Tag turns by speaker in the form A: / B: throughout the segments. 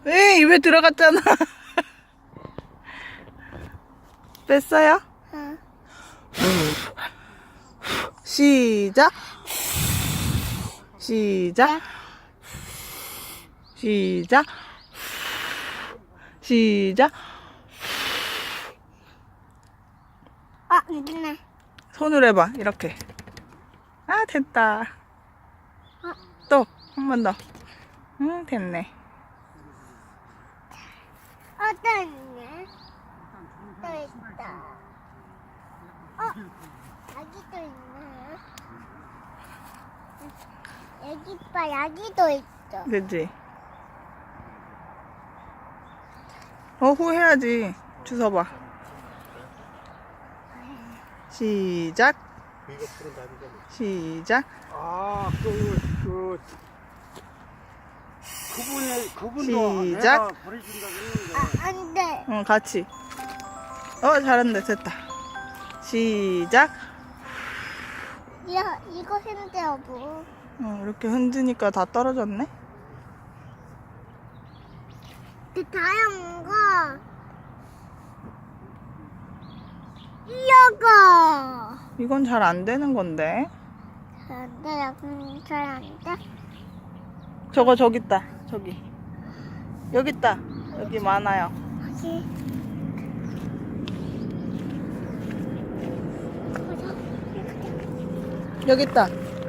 A: 에이, 입에 들어갔잖아. 뺐어요?
B: 응.
A: 시작. 시작. 시작. 시작.
B: 안 되네.
A: 손으로 해봐. 이렇게. 아, 됐다. 또 한 번 더. 응, 됐네.
B: 또 있네. 또 있다. 여기도 있네. 여기 봐, 여기도 있어.
A: 그치? 후 해야지. 주워봐. 시작.
C: 이거 풀은 답이잖아.
A: 시작.
C: 그분도
A: 시작.
C: 내가 보내준다고 했는데.
B: 안 돼.
A: 응, 같이. 잘한다. 됐다. 시작.
B: 이거 힘들어, 뭐.
A: 이렇게 흔드니까 다 떨어졌네.
B: 다양한 거. 이거.
A: 이건 잘 안 되는 건데.
B: 안 돼, 잘안 돼.
A: 저거 저기 있다. 저기. 여기 있다. 여기 많아요.
B: 여기.
A: 여기 있다.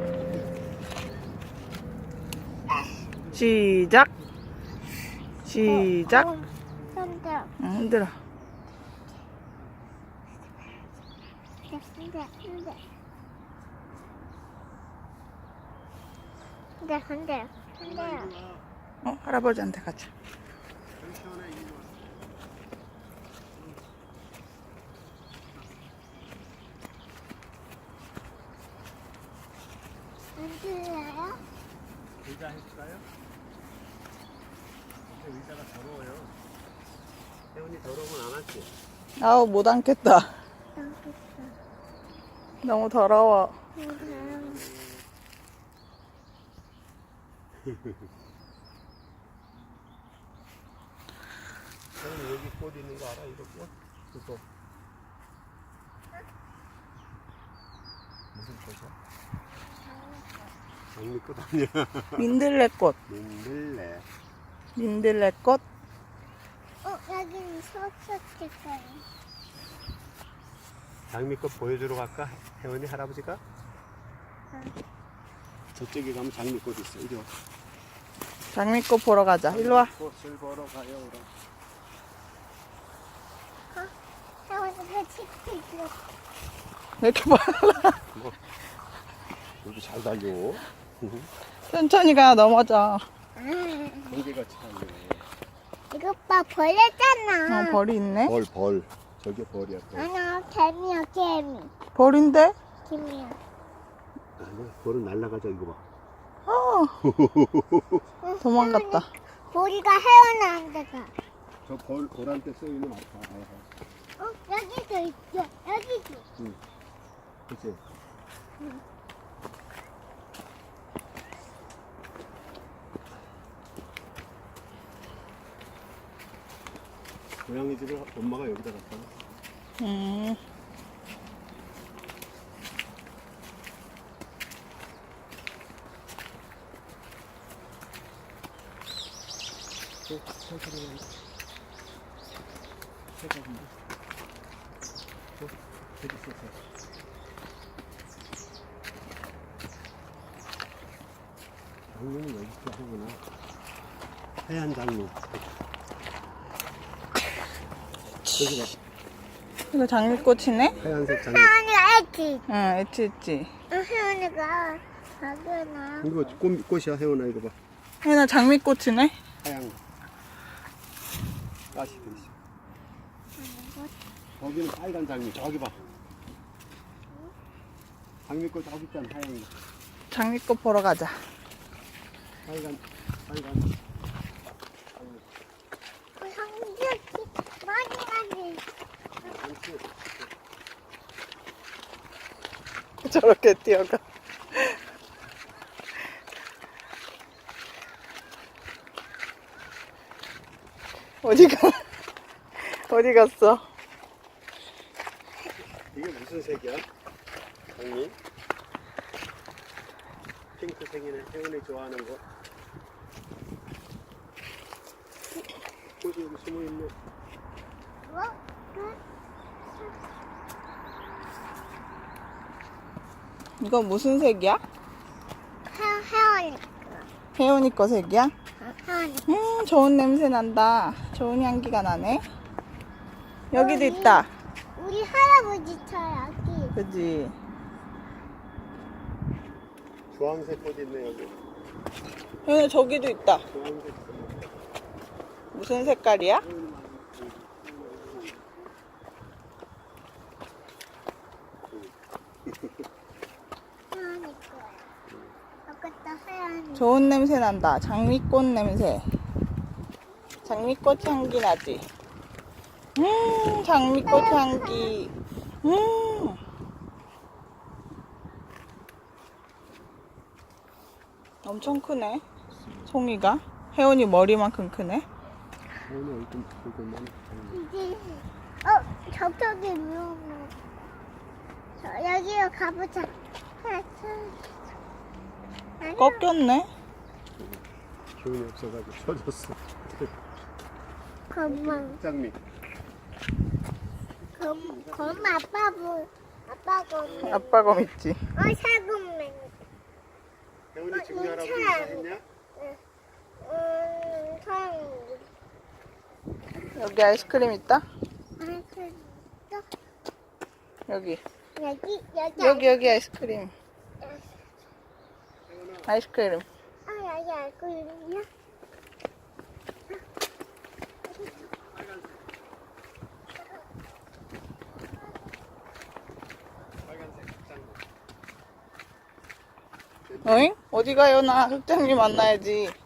A: 시작. 시작.
B: 힘들어.
A: 응, 흔들어.
B: 힘들어.
A: 할아버지한테 가자.
B: 안 들려요?
C: 의자 해줄까요? 근데 의자가 더러워요. 혜원이 더러우면 안 할게.
A: 아우, 못 앉겠다.
B: 여기
A: 너무 더러워.
B: 있어.
C: 혜원이 여기 꽃 있는 거 알아? 이거 꽃? 그거. 무슨 꽃이야? 장미꽃 아니야.
A: 민들레꽃.
C: 민들레.
A: 민들레꽃.
B: 여기는 소스티까요.
C: 장미꽃 보여주러 갈까? 혜원이 할아버지가? 저쪽에 가면 장미꽃 있어. 이리 와.
A: 장미꽃 보러 가자. 일로 와.
C: 꽃을 보러 가요.
B: 혜원이가 치킨 있어.
A: 왜 이렇게 빨라?
C: 여기 잘 달려.
A: 천천히 가. 넘어져.
C: 경계가 차네.
B: 이거 봐, 벌레잖아.
A: 벌이 있네.
C: 벌. 저게 벌이야. 벌.
B: 아니야, 개미야, 개미.
A: 벌인데?
B: 개미야.
C: 아니, 벌은 날아가자. 이거 봐.
A: 도망갔다.
B: 머리가 혜원이한테 가.
C: 저 벌한테 써있는 아파.
B: 여기도 있어. 여기도.
C: 그치? 고양이들을 엄마가 여기다 갖다 놨어. 천천히 간다. 해가지고. 저기 있어. 장미는 여기 있어 하구나. 하얀 장미. 저기 봐.
A: 이거 장미꽃이네?
C: 하얀색 장미.
B: 혜원이가 애기.
A: 응, 있지.
B: 혜원이가 작은아.
C: 이거 꽃이야, 혜원아. 이거 봐.
A: 혜나 장미꽃이네?
C: 하얀 가시 돼 있어. 거기는 빨간 장미. 저기 봐. 장미꽃 저기 있잖아. 하얀 거.
A: 장미꽃 보러 가자.
C: 빨간.
B: 형제 많이.
A: 저렇게 뛰어가. 어디가? 어디 갔어?
C: 이게 무슨 색이야? 장미? 핑크색이네. 혜원이 좋아하는 거. 꽃이 여기 숨어있네.
B: 뭐?
A: 이거 무슨 색이야?
B: 혜원이.
A: 혜원이 거 색이야?
B: 혜원이.
A: 좋은 냄새 난다. 좋은 향기가 나네. 여기도 있다.
B: 우리 할아버지 차 여기.
A: 그지?
C: 주황색 꽃 있네, 여기.
A: 혜원이 저기도 있다.
C: 주황색.
A: 무슨 색깔이야?
B: 혜원이 거야. 여기다 혜원이.
A: 좋은 냄새 난다. 장미꽃 냄새. 장미꽃 향기 나지? 장미꽃 향기. 엄청 크네. 송이가. 혜원이 머리만큼 크네.
C: 혜원이 얼굴만.
B: 이제 저쪽에 위험해. 여기로 가보자.
A: 꺾였네.
C: 기운이 없어가지고 쳐졌어.
B: 검만.
C: 장미.
B: 검 아빠 검.
A: 아빠 검 있지.
B: 사금맨.
C: 혜원이 증리 할아버지
B: 차.
C: 인사했냐?
B: 사람.
A: 여기 아이스크림 있다.
B: 또
A: 여기.
B: 여기
A: 아이스크림. 아이스크림.
B: 여기 알고 있냐?
C: 빨간색 장미.
A: 어잉? 어디 가요? 나 흑장님 만나야지.